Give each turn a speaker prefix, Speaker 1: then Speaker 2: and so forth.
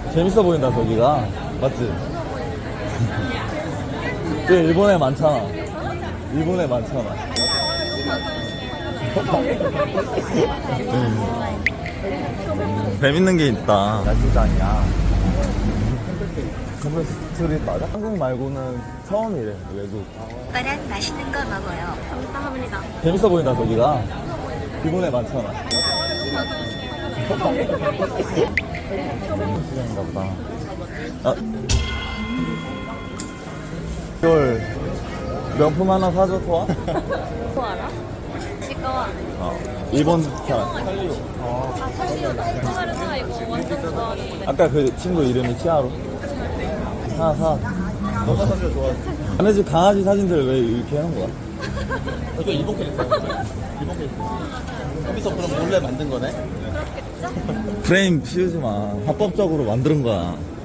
Speaker 1: 재밌어 보인다 저기가. 맞지? 그 일본에 많잖아. 일본에 많잖아. 재밌는 게 있다. 야시장이야. 컴플 스트릿 맞아? 한국 말고는 처음이래. 외국.
Speaker 2: 오빠랑 맛있는 거 먹어요. 감사합니다.
Speaker 1: 재밌어 보인다 저기가. 일본에 많잖아. 시장인가 보다. 아, 이걸 명품 하나 사줘 토아?
Speaker 2: 뭐 알아? 치과.
Speaker 1: 일본 사람.
Speaker 2: 아, 살리오다. 치과르나 이거 완전 좋아하는데.
Speaker 1: 아까 그 친구 이름이 치아로. 하나 사. 너가 사진 좋아. 남의 집 강아지 사진들 왜 이렇게 해놓은 거야?
Speaker 3: 이거 일본 캐릭터야. 일본 캐릭터. 여기서 그럼 몰래 만든 거네?
Speaker 2: 그렇겠죠?
Speaker 1: 프레임 씌우지 마. 합법적으로 만든 거야.